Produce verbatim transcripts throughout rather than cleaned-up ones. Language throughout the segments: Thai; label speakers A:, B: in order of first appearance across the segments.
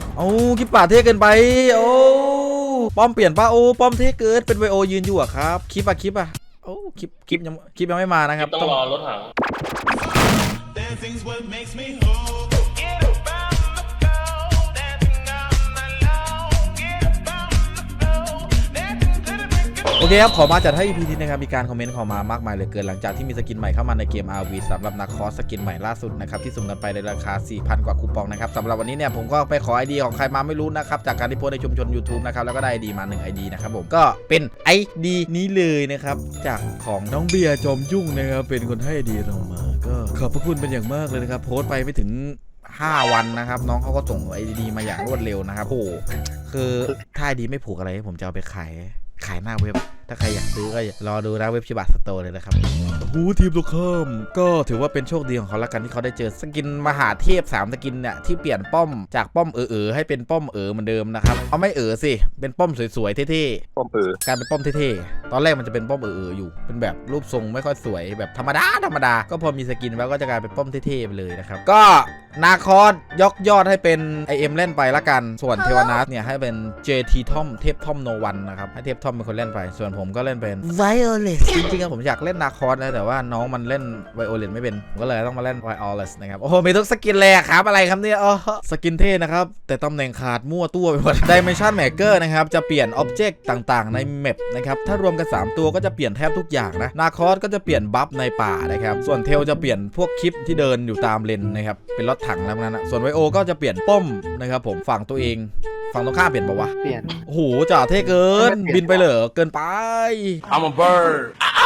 A: โอ้คลิปป่าเท่เกินไปโอ้ป้อมเปลี่ยนป้าโอ้ป้อมเท่เกินเป็นไวโอยืนอยู่อะครับคลิปอะคลิปอะโอ้คลิปคลิปยังคลิปยังไม่มานะครับ
B: ต้องรอรถถัง
A: โอเคครับขอมาจัดให้ อี พี นี้นะครับมีการคอมเมนต์เข้ามามากมายเลยเกินหลังจากที่มีสกินใหม่เข้ามาในเกม อาร์ วี สำหรับนาคอสสกินใหม่ล่าสุดนะครับที่สุ่มกันไปในราคา สี่พัน กว่าคูปองนะครับสำหรับวันนี้เนี่ยผมก็ไปขอ ไอ ดี ของใครมาไม่รู้นะครับจากการที่โพสในชุมชน YouTube นะครับแล้วก็ได้ ไอ ดี มาหนึ่ง ไอ ดี นะครับผมก็เป็น ไอ ดี นี้เลยนะครับจากของน้องเบียร์จอมยุ่งนะครับเป็นคนให้ ไอ ดี เรามาก็ขอบพระคุณเป็นอย่างมากเลยนะครับโพสไปไม่ถึงห้าวันนะครับน้องเขาก็ส่ง ไอ ดี มาอย่างรวดเร็วนะครับโอ้คือถ้า ไอ ดี ไม่ผูกอะไรผมจะเอาไปขายขายหน้าเว็บถ้าใครอยากซื้อก็รอดูนะเว็บชิบะสโตร์เลยนะครับหูทีมตรงข้ามก็ถือว่าเป็นโชคดีของเขาละกันที่เขาได้เจอสกินมหาเทพสามสกินเนี่ยที่เปลี่ยนป้อมจากป้อมเออๆให้เป็นป้อมเออเหมือนเดิมนะครับเอาไม่เออสิเป็นป้อมสวยๆเท่ๆ
C: ป้อมเออก
A: ลายเป็นป้อมเท่ๆตอนแรกมันจะเป็นป้อมเออๆอยู่เป็นแบบรูปทรงไม่ค่อยสวยแบบธรรมดาธรรมดาก็พอมีสกินแล้วก็จะกลายเป็นป้อมเท่ๆไปเลยนะครับก็นาคอสยกยอดให้เป็น ไอ เอ็ม เล่นไปละกันส่วนเทวนาสเนี่ยให้เป็น เจ ที ทอมเทพทอมโนวันนะครับให้เทพทอมเป็นคนเล่นไปส่วนผมก็เล่นเป็นไวโอเลสจริงๆอะผมอยากเล่นนาคอสนะแต่ว่าน้องมันเล่นไวโอเลสไม่เป็นผมก็เลยต้องมาเล่นไวโอเลสนะครับโอ้โหมีทุกสกินเลยครับอะไรครับเนี่ยอ๋อสกินเท่นะครับแต่ตำแหน่งขาดมั่วตัวไปหมด Dimension Maker นะครับจะเปลี่ยนอ็อบเจกต์ต่างๆในแมปนะครับถ้ารวมกันสามตัวก็จะเปลี่ยนแทบทุกอย่างนะนาคอสก็จะเปลี่ยนบัฟในป่านะครับส่วนเทลจะเปลี่ยนพวกคลิปที่เดินอยู่ตามเลนนะครับเป็นรถถังแล้วนั้นนะส่วนไวโอก็จะเปลี่ยนป้อมนะครับผมฝั่งตัวเองฝั่งตรงข้ามเปลี่ยนปะวะ
D: เปลี่ยน
A: โอ้โหจ่าเท่เกินบินไปเหรอเกินไป
B: I'm a bird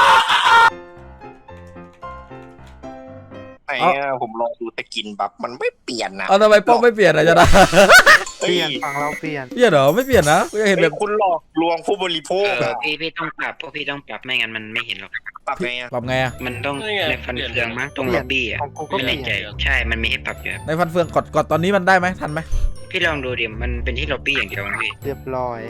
C: ไอ้ผมลองดูตะกินบัฟมันไม่เปลี่ยนนะ
A: เอาทำไมป้อมไม่เปลี่ยนอะจะได้
D: เปลี่ยนฝั่งเราเปลี่ยน
A: เปลี่ยนเหรอไม่เปลี่ยนนะกูอยากเห็นแบบ
C: คุณหลอกลวงผู้บริโภคอะ
E: พี่พี่ต้องปรับพวกพี่ต้องปรับไม่งั้นมันไม่เห็นหรอก
C: ปรับไงอะ
A: ปรับไงอะ
E: มันต้องในฟันเฟืองมั้งตรงล็อบบี้อ่ะไม่แน่ใจใช่มันมีให้ปรับอยู่
A: ในฟันเฟืองกดกดตอนนี้มันได้ไหมทันไหม
E: พี่ลองดูดิมันเป็นที่ล็อบบี้อย่างเดียวพี่
D: เรียบร้อย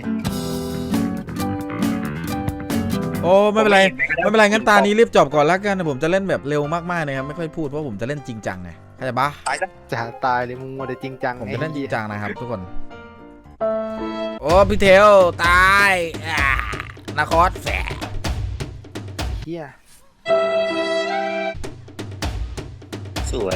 A: โอ้ไม่เป็นไรไม่เป็นไรงั้นตานี้รีบจบก่อนแล้วกันผมจะเล่นแบบเร็วมากๆนะครับไม่ค่อยพูดเพราะผมจะเล่นจริงจังไงเข้าใจปะ
D: จะตายเลยมึงมัวแต่จริงจัง
A: ผมจะเล่นจริงจังนะครับทุกคนโอ้พี่เทลตายนาคอสแฝง
D: เฮีย
C: สวย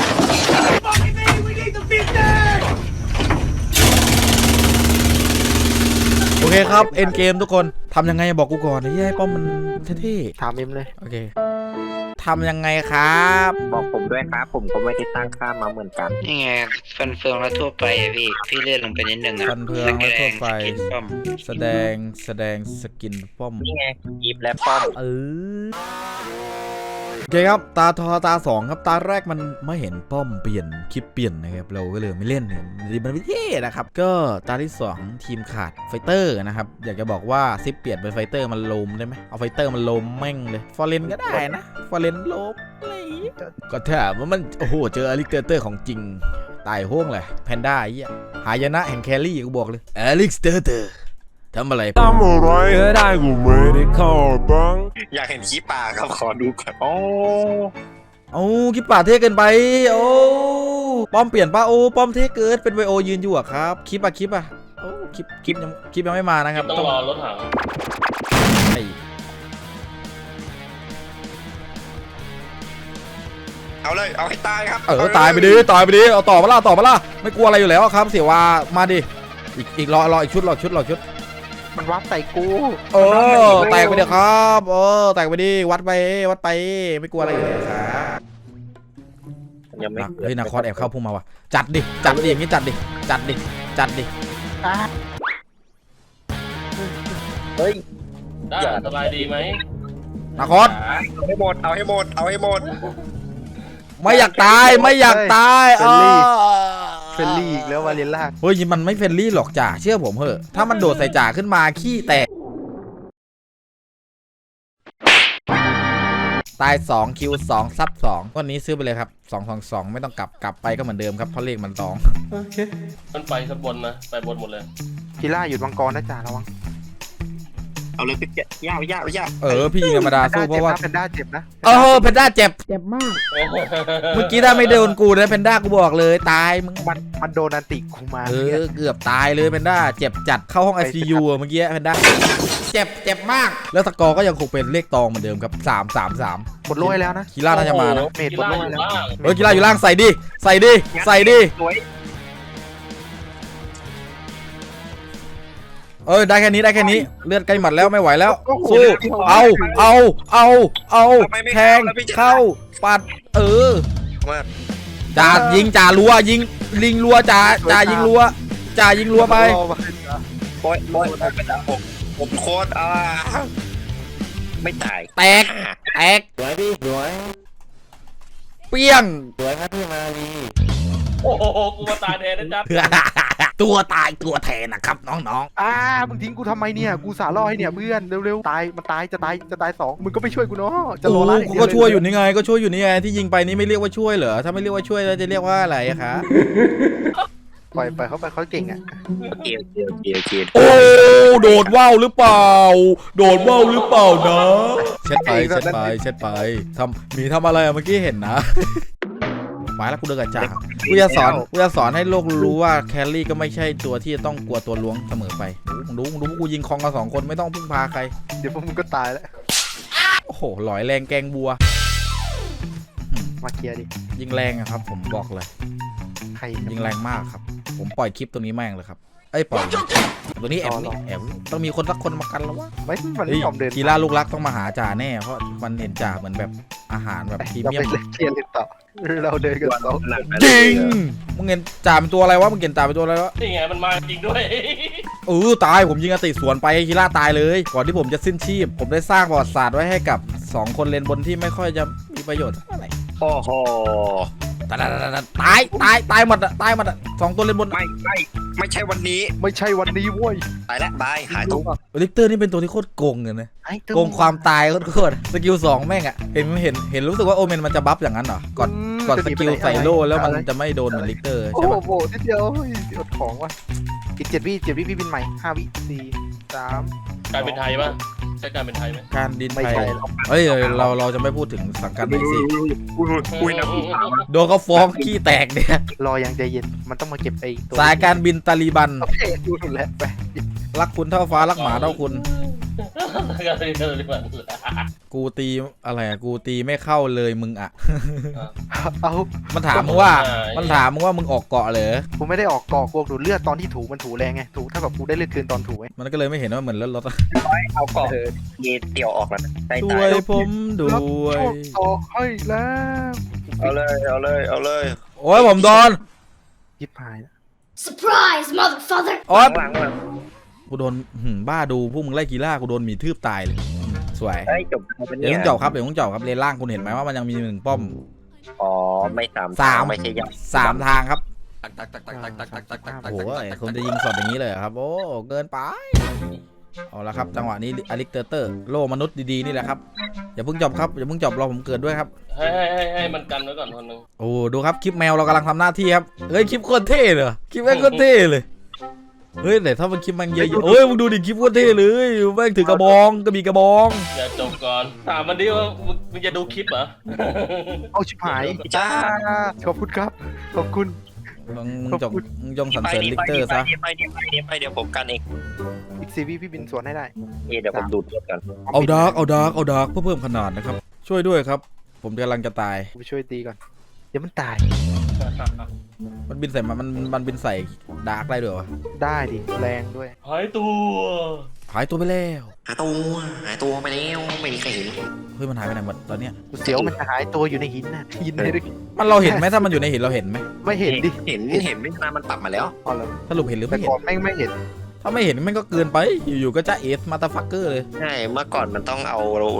A: โอเคครับเอ็นเกมทุกคนทำยังไงบอกกูก่อนให้ป้อมมันเท่
D: ๆถามเอ็มเลย
A: โอเคทำยังไงครับ
C: บอกผมด้วยครับผมก็ไม่ได้ตั้งค่ามาเหมือนกัน
E: นี่ไงฟันเฟืองแล้วทั่วไปพี่พี่เลื่อนลงไปนิดนึงอ่ะ
A: ฟันเฟืองแล้วทั่วไปแสดงแสดงสกินป้อม
C: นี่ไงยิบและป้อม
A: เออโอเคครับตาทอตาสองครับตาแรกมันไม่เห็นป้อมเปลี่ยนคลิปเปลี่ยนนะครับเราก็เลยไม่เล่นเนี่ยมันไม่เท่นะครับก็ตาที่สองทีมขาดไฟเตอร์นะครับอยากจะบอกว่าซิปเปลี่ยนเป็นไฟเตอร์มันโลมได้ไหมเอาไฟเตอร์มันโลมแม่งเลยฟอร์เรนก็ได้นะฟอร์เรนโลมอะไรก็ถามว่ามันโอ้โหเจออลิเกเตอร์ของจริงตายห้วงเลยแพนด้าไอ้เหี้ยหายนะแห่งแครี่กูบอกเลยอลิเกเตอร์ทำอะไร
B: ทำอะไรได้กูไม่ได้ขอบ้าง
C: อยากเห็นขี้ป่าครับขอดูก่อนโอ้
A: โอ้คลิปป่าเท่เกินไปโอ้ป้อมเปลี่ยนป้าโอ้ป้อมเท่เกินเป็นไวโอยืนอยู่อะครับคลิปอะคลิปอะโอ้คลิปคลิปยังคลิปยังไม่มานะครับ
B: ต้องรอรถถัง
C: เอาเลยเอาให้ตายครับ
A: เออตายไปดิตายไปดิเอาต่อมาล่ะต่อมาล่ะไม่กลัวอะไรอยู่แล้วครับเสียว่ามาดิอีกอีกรอรออีกชุดรอชุดรอชุด
D: มันวัดใส่กู
A: เออแตกไปเดี๋ยวครับเออแตกไปดิวัดไปวัดไปไม่กลัวอะไรอยู่แล้วครับ
C: ยังไม่
A: เฮ้ยนาคอสแอบเข้าพุ่งมาว่ะจัดดิจัดดิอย่างนี้จัดดิจัดดิจัดดิ
C: เฮ้ย
B: ได้สบายดีไหม
A: นาคอส
C: เอาให้หมดเอาให้หมดเอาให้หมด
A: ไม่อยากตายไม่อยากตายเออ
D: เฟลลี่อีกแล้ววาเลนล่า
A: เฮ้ยมันไม่เฟลลี่หรอกจ่าเชื่อผมเถอะถ้ามันโดดใส่จ่าขึ้นมาขี้แตกตายสองคิวสองซับสองวันนี้ซื้อไปเลยครับสองสองสองไม่ต้องกลับกลับไปก็เหมือนเดิมครับเพราะเลขมันตอง
D: โอเค
B: มันไปสบนนะไปบนหมดเลย
D: พิล่าหยุดมังกรนะจ่าระวัง
C: เอาเลยพี่ย่าย่าย่า
A: เออพี่ยิงธรรมดาสู้เพราะว่า
D: แพนด้าเจ็บนะ
A: เออเพนด้าเจ็บเจ็บมากเมื่อกี้ถ้าไม่โดนกูนะเพนด้ากูบอกเลยตายมึง
D: มันมันโดนอันติกูมา
A: เออเกือบตายเลยเพนด้าเจ็บจัดเข้าห้อง ไอ ซี ยู อะเมื่อกี้เพนด้าเจ็บเจ็บมากแล้วสกอร์ก็ยังคงเป็นเลขตองเหมือนเดิมครับสาม สาม สาม
D: หมดโล่แล้วนะ
A: คีร่าน่าจะมานะ
D: เมดหมดโล่แล้ว
A: เออกีฬาอยู่ล่างใส่ดิใส่ดิใส่ดิ
C: สวย
A: เออได้แค่นี้ได้แค่นี้เลือดใกล้หมัดแล้วไม่ไหวแล้วสู้เอาเอาเอาเอาแทงเข้าปัดเออ
C: มาก
A: จ่ายิงจ่ารัวยิงลิงรัวจ่าจ่ายิงรัวจ่ายิงรัวไป
C: โอ้ยโอ้ยเป็นดาผมผมโคตรอ่าไม่ตาย
A: แตกแตก
E: สวยพี่สวย
A: เปี้ยง
E: สวยครับพี่มาลี
B: โอ้โหกูมาตายแทนนะจ๊ะ
A: ตัวตายตัวแทนนะครับน้อง
D: อ่ามึงทิ้งกูทำไมเนี่ยกูสาล่อให้เนี่ยเพื่อนเร็วๆตายมันตายจะตายจะตายสองมึงก็ไม่ช่วยกูเนาะ
A: ๆ
D: จะ
A: โอ้
D: รอร้าน
A: กูก็ช่วยอยู่นี่ไงก็ช่วยอยู่นี่ไงที่ยิงไปนี่ไม่เรียกว่าช่วยเหรอถ้าไม่เรียกว่าช่วยแล้วจะเรียกว่าอะไรอะคะ
D: ปล่อยปล่อยเขาไปเขาเก่งอ่ะ
C: เกียวเกียวเกียวเกียว
A: โอ้โดดว่าวหรือเปล่า โดดว่าวหรือเปล่านะเช็ดไปเช็ดไปเช็ดไปทำมีทำอะไรอะเมื่อกี้เห็นนะหมายแล้วกูเดินกับจ่ากูจะสอนกูจะสอนให้โลกรู้ว่าแคลรี่ก็ไม่ใช่ตัวที่จะต้องกลัวตัวล้วงเสมอไปมึงดูมึงดูกูยิงคองกันสองคนไม่ต้องพึ่งพาใคร
D: เดี๋ยวพวกมึงก็ตายแล้ว
A: โอ้โหหลอยแรงแกงบัว
D: มาเคลียร์ดิ
A: ยิงแรงอะครับผมบอกเลย
D: ใคร
A: ยิงแรงมากครับผมปล่อยคลิปตัวนี้แม่งเลยครับเอ้ยปล่อยตัวนี้แอบนี่แอบต้องมีคนสักคนมากันแล้ววะ
D: ไม่มัน
A: เฮ้
D: ไม่
A: ย
D: ยอมเดิน
A: กีฬาลูกรักต้องมาหาจ่าแน่เพราะมันเห็นจ่าเหมือนแบบอาหารแบบพรี
D: เรา
A: เมีย
D: ไป
A: ม
D: เล่นเคลียร์เล่นต่อเราเดินกันสอง
A: จริงมึงเห็นจ่าเป็นตัวอะไรวะมึงเห็นจ่าเป็นตัวอะไรวะ
B: นี่ไงมันมาจริงด้วย
A: เออตายผมยิงอติสวนไปกีฬาตายเลยก่อนที่ผมจะสิ้นชีพ ผมได้สร้างประวัติศาสตร์ไว้ให้กับสองคนเลนบนที่ไม่ค่อยจะมีประโยชน์เท่าไหร่
C: โอ้โห
A: ตายตายตายตายหมดอะตายหมดอะสองตัวเลนบน
C: ไม่ไม่ไม่ใช่วันนี้
D: ไม่ใช่วันนี้เว้ย
C: ตายแล้วบายหายตัว
A: ลิกเตอร์นี่เป็นตัวที่โคตรโกงเลยนะ
D: ไอ้ตึ้
A: โกงความตายโคตรๆสกิลสองแม่งอะเห็นเห็นเห็นรู้สึกว่าโอเมนมันจะบัฟอย่างนั้นเหรอก่อนก่อนสกิลใส่โล่แล้วมันจะไม่โดนเหมือนลิกเตอร์
D: โอ้
A: ใช่ปะ
D: โหนิดเดียวเฮ้ยอดของว่ะอีกเจ็ดวิเจ็ดวิพี่บินใหม่ห้าวิสี่สาม
B: การเป็นไทยป่ะใช่การเป็นไทยไหม
A: การดิน
D: ไม่
A: ไทย
D: ใช่หรอก
A: เฮ้ยเราเราจะไม่พูดถึงสังกัดไหนสิ
C: อุ้ยนะ
A: โดนเขาฟ้องขี้แตกเนี่ย
D: รออย่างใจเย็นมันต้องมาเก็บไอ้ตัว
A: สายการบินตาลีบัน
D: โอเคดูถูกแล้วไป
A: รักคุณเท่าฟ้ารักหมาเท่าคุณ
B: การเป็นไทยมัน
A: กูตีอะไรอะกูตีไม่เข้าเลยมึงอะ
D: เอา
A: มันถามมึงว่า มันถามมึงว่ามึงออกเกาะเหรอ
D: กูไม่ได้ออกกอกกูดูดเลือดตอนที่ถูมันถูแรงไงถูถ้าแบบกูได้เลือดคืนตอนถูไง
A: มันก็เลยไม่เห็นว่าเหมือนรถรถ
C: เอาก่อนเยเตียวออกแล้วได้
A: ช่
C: ตา
A: วย ยผมด้วย
D: ต่อให้แล้ว
C: เอาเลยเอาเลยเอาเลย
A: โอ้ยผมโดน
D: ยิบหายนะ
F: Surprise, motherfucker!
A: โอ้ย
C: หลังหลัง
A: กูโดนหืมบ้าดูพวกมึงไล่กีฬากูโดนหมีทืบตายเลยอืมสวย
C: เฮ้ยจบเป็น
A: เดี๋ยว
C: เนี่
A: ต้อง
C: ย
A: เจาะครับเดี๋ยวต้องเจาะครับเลนล่างคุณเห็นไหมว่ามันยังมีหนึ่งป้อม
C: อ๋อไม่สาม
A: สาม
C: ไม่ใช่ยักษ์
A: สามทางครับ
D: โอ้
A: โอ้โหคนจะยิงสดอย่างนี้เลยเหรอครับ โอ้เกินไปเอาละครับจังหวะนี้อลิกเตอร์เตอร์โลมนุษย์ดีๆนี่แหละครับอย่าเพิ่งจบครับอย่าเพิ่งจบรอผมเกิดด้วยครับ
B: ให้ให้ให้ให้มันกันไว้ก่อนคนนึง
A: โอ้ดูครับคลิปแมวเรากำลังทำหน้าที่ครับเฮ้ยคลิปโคตรเท่เลยคลิปแม่งโคตรเท่เลยเฮ้ยแต่ถ้ามันคลิปมันเยอะๆเฮ้ยมึงดูดิคลิปโคตรเท่เลยแม่งถือกระบองก็มีกระบอง
B: อย่าจบก่อนถามมันดิว่ามึงจะดูคลิปเหรอ
D: เอาชิบหายจ้าขอบคุณครับขอบคุณ
A: มึงมึงจงมึงจงสรรเสริญลิกเตอร์ซะ
C: ไปเดี๋ยวไปเดี๋ยวไปเดี๋ยวผมกันเอง
D: อีกซีวีพี่บินสวนให้ได้
C: เดี๋ยวผมดูดเลือดกัน
A: เอาดาร์กเอาดาร์กเอาดาร์กเพื่อเพิ่มขนาดนะครับช่วยด้วยครับ ผมกำลังจะตาย
D: กูไปช่วยตีก่อนเดี๋ยวมันตาย
A: มันบินใส่มันมันมันบินใส่ดาร์กได้ด้วยวะ
D: ได้ดิแรงด้วย
B: หายตัว
A: หายตัวไปแล้ว
C: หายตัวหายตัวไปแล้วไม่มีใครเห็น
A: เฮ้ยมันหายไปไหนหมดตอนเนี้ย
D: กูเสียวมันจะหายตัวอยู่ในหินน่ะหินในลึก
A: มันเราเห็นไหมถ้ามันอยู่ในหินเราเห็นไหม
D: ไม่เห็นดิ
C: เห็นเห็นไม่นานมันปรับมาแล้ว
D: อ๋อเหรอ
A: สรุปเห็นหรือ
D: แต่
A: ไม่เห็น
D: ก่อนแม่งไม่เห็น
A: ถ้าไม่เห็นมันก็เกินไปอยู่ๆก็จะเอสมาตาฟักเกอร์เลย
C: ใช่เมื่อก่อนมันต้องเอา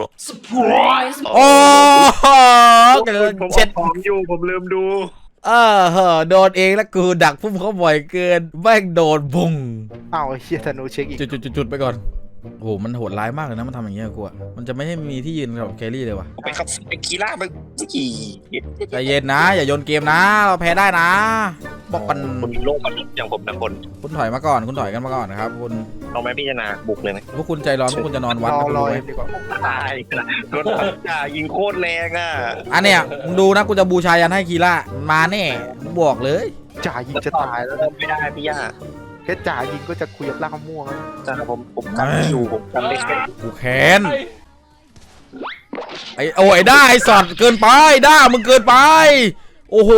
F: Surprise!
A: โอ้โหเกิน
C: ผม
A: เช็ด
C: ผมอยู่ผมลืมดู
A: เออเหอะโดนเองแล้วกูดักพุ่มเขาบ่อยเกินแม่งโดนบุ้ง
D: อ้าวไอ้เฮียธนูเช็คอีก
A: จุดๆๆๆไปก่อนโอ้โหมันโหดร้ายมากเลยนะมันทำอย่างเงี้ยกูอะมันจะไม่ให้มีที่ยืนกับแครี่เลยว่ะ
C: ไปขับไปกีฬาไปกี่
A: ใจเย็นนะอย่าโยนเกมนะเราแพ้ได้นะบอกกัน
C: คนโลกมนุษย์อย่างผมนะคน
A: คุณถอยมาก่อนคุณถอยกันมาก่อนนะครับคุณ
C: เอาไหมพี่ชนะบุกเลยไหม
A: พวกคุณใจร้อนพวกคุณจะนอนวัด
D: รอ
A: นะคุณ
D: รอ
A: รู้ไหม
D: เอ็มดีกว่า
C: ตายรถจ่ายิงโคตรแรงอ่ะ
A: อันเนี้ยมึงดูนะกูจะบูชายันให้คีร่ามาแน่บอกเลย
D: จ่ายิงจะตายแล้ว
C: เริ่มไม่ได้พี่ย่า
D: แค่จ่ายิงก็จะคุยกับล่างม่วงแล้ว
C: จ่าผมผมกันไม่อยู่ผมกันได้แค่
A: กูแค้นไอ้โอ้ยได้ไอ้สัตว์เกินไปด้ามึงเกินไป โอ้โห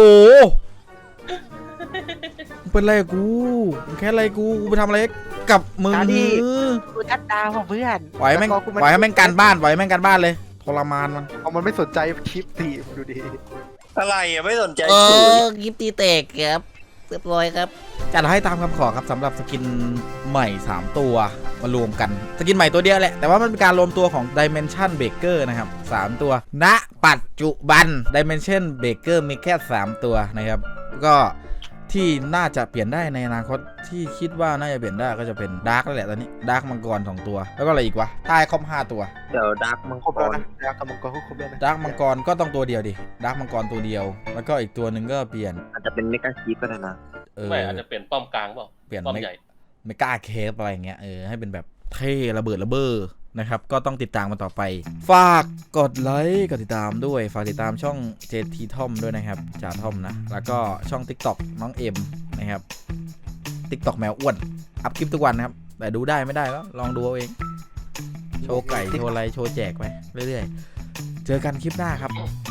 A: มึงเป็นไรกับกูมึงแค่อะไรกูกูไปทำอะไรกับมึง
D: กูทัดดาวของเพื่อน
A: ปล่อยให้แม่งปล่อยให้แม่งการบ้านปล่อยให้แม่งการบ้านเลยทรมานมัน
D: เอามันไม่สนใจคลิปทีดูดิ
C: อะไรอ่ะไม่สนใจ
A: เอ
C: สื่อ
A: อกิฟตีเตกครับเรียบร้อยครับจัดให้ตามคำขอครับสำหรับสกินใหม่สามตัวมารวมกันสกินใหม่ตัวเดียวแหละแต่ว่ามันเป็นการรวมตัวของ Dimension Breaker นะครับสามตัวณปัจจุบัน Dimension Breaker มีแค่สามตัวนะครับก็ที่น่าจะเปลี่ยนได้ในอนาคตที่คิดว่าน่าจะเปลี่ยนได้ก็จะเป็นดาร์กนั่นแหละตอนนี้ดาร์กมังกรสองตัวแล้วก็อะไรอีกวะใต้คอมห้าตัว
C: เดี๋ยวดักมัง
D: ครบ
C: ก
D: แล้ว
C: ร
D: นะดาวกับมังกรครบแล้วนะ
A: ดาร์กมังกรก็ต้องตัวเดียวดิดาร์กมังกรตัวเดียว แล้วก็อีกตัวหนึ่งก็เปลี่ยน
C: อาจจะเป็นเมกาคีฟก็ได้นะ
A: เออ
B: ไม่อาจจะเปลี่ยนป้อมกลางเปล่า
A: เปลี่ยน
B: ป้อม
A: ไม่
B: ใหญ่
A: ไม่กล้าเคฟอะไรเงี้ยเออให้เป็นแบบเท่ระเบิดระเบ้อนะครับก็ต้องติดตามมาต่อไป ฝากกดไลค์กดติดตามด้วยฝากติดตามช่อง เจ ที Tom ด้วยนะครับจ่าทอมนะแล้วก็ช่อง TikTok น้องเอ็มนะครับ TikTok แมวอ้วนอัพคลิปทุกวันนะครับแต่ดูได้ไม่ได้ก็ลองดูเอาเองโชว์ไก่โชว์อะไรโชว์แจกไปเรื่อยๆเจอกันคลิปหน้าครับ